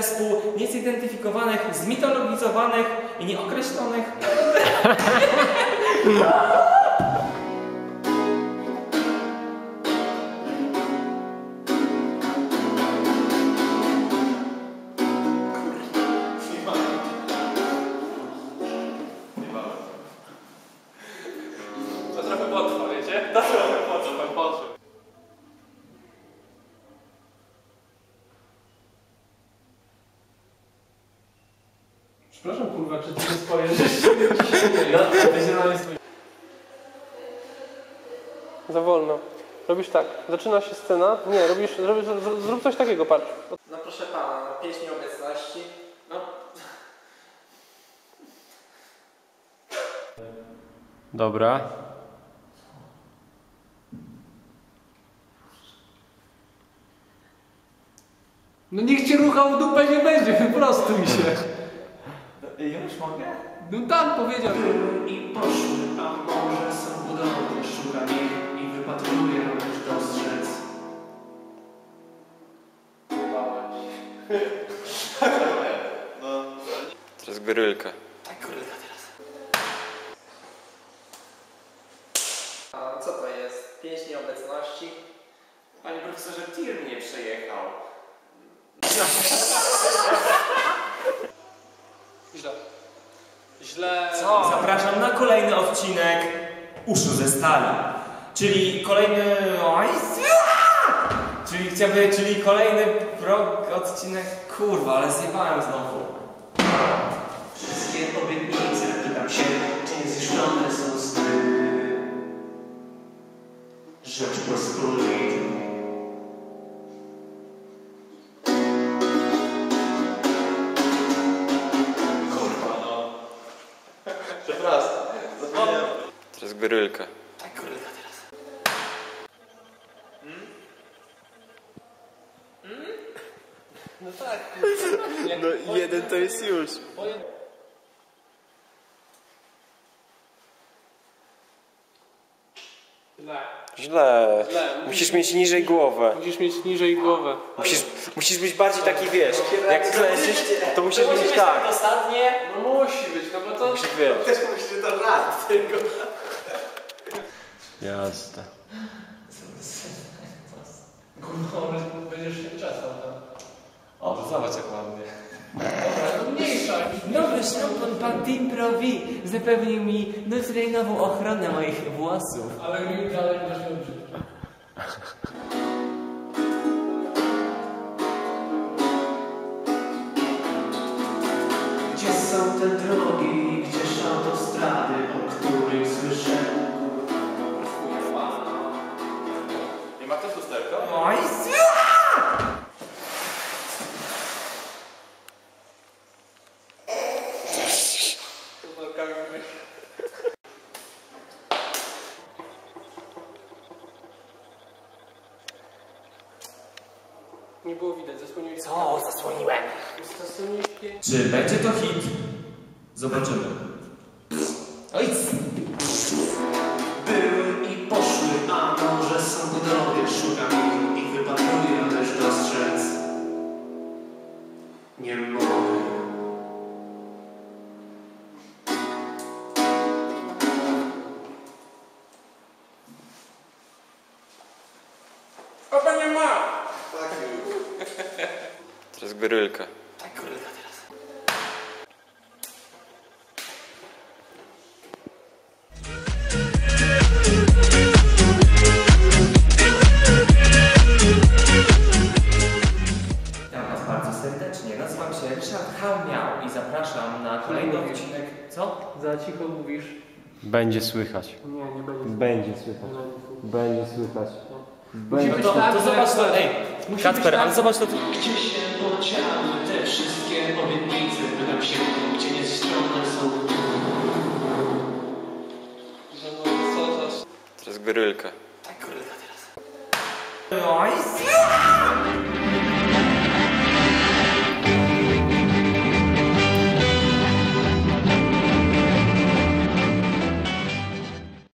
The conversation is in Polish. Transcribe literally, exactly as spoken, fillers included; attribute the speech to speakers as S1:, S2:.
S1: zespół niezidentyfikowanych, zmitologizowanych i nieokreślonych.
S2: To trochę potrwa, wiecie? To trochę potrwa, potrwa. Przepraszam, kurwa, czy ty nie spojrzysz? Za wolno. Robisz tak, zaczyna się scena. Nie, robisz, robisz zrób coś takiego, patrz.
S1: No proszę pana, pieśń obecności. No.
S2: Dobra.
S3: No niech cię ruchał w dupę nie będzie, wyprostuj się.
S1: Już mogę?
S3: No tak powiedział.
S4: I poszły, a może są budowle, szukam ich i wypatruję, lecz dostrzec.
S5: No. Teraz gorylka.
S1: Tak, gorylka teraz. A co to jest? Pieśń obecności? Panie profesorze, tir mnie przejechał.
S2: Źle. Źle.
S1: Co? Zapraszam na kolejny odcinek Uszu ze stali. Czyli kolejny... Oj, czyli chciałby, czyli kolejny pro... odcinek... Kurwa, ale zjebałem znowu.
S4: Wszystkie obietnice, pytam się, czy niezniszczone są sny. Rzeczpospolitej.
S5: Przepraszam. Zapomniałem. Teraz gorylka.
S1: Tak, gorylka teraz.
S2: Hmm? Hmm? No tak.
S5: No jeden to jest już.
S2: Źle.
S5: Źle.
S2: Źle.
S5: Musisz mieć niżej głowę.
S2: Musisz mieć niżej głowę.
S5: Musisz, musisz być bardziej taki, wiesz, jak klęczysz, to musisz
S1: Musi
S5: być
S1: być
S5: tak.
S1: dosadnie.
S2: No musi być, no bo to...
S5: Musisz, wiesz.
S4: Też myślę, że to żart, tylko.
S5: Jasne.
S2: Kurwa, będziesz się czesał tam.
S1: O, zobacz jak ładnie.
S2: Dobra, no mniejsza.
S1: Nowy szampon pan Tim Provi zapewnił mi nutryjnową ochronę moich włosów.
S2: Ale mi dalej masz dobrze.
S4: Gdzie są te drogi, gdzież autostrady, o których słyszę?
S5: Nie ma też lusterka?
S1: Oj,
S2: Nie było widać, zasłoniłeś.
S1: co? Zasłoniłem.
S2: Zasłoniłeś.
S1: Czy będzie to hit? Zobaczymy. Oj,
S4: Były i poszły, a może są budowle, szukam ich i wypatruję, lecz dostrzec nie mogę.
S2: Opa nie ma!
S5: Teraz gorylka.
S1: tak, gorylka teraz. Witam was bardzo serdecznie. Nazywam się Ryszard Hałmiał i zapraszam na kolejny odcinek. Co?
S2: Za cicho mówisz.
S5: Będzie słychać.
S2: Nie, nie będzie.
S5: Będzie słychać. Będzie słychać.
S2: Musi
S1: No
S2: być
S1: to,
S2: tak,
S1: to
S2: że-
S1: zobacz to, ej,
S2: Musi
S1: Kacper,
S2: być tak-
S1: ale zobacz to.
S4: Gdzie się podziały te wszystkie obietnice? Pytam się, gdzie niezniszczone są.
S2: Że no co za...
S5: Teraz gorylka.
S1: Tak, gorylka teraz. Oj,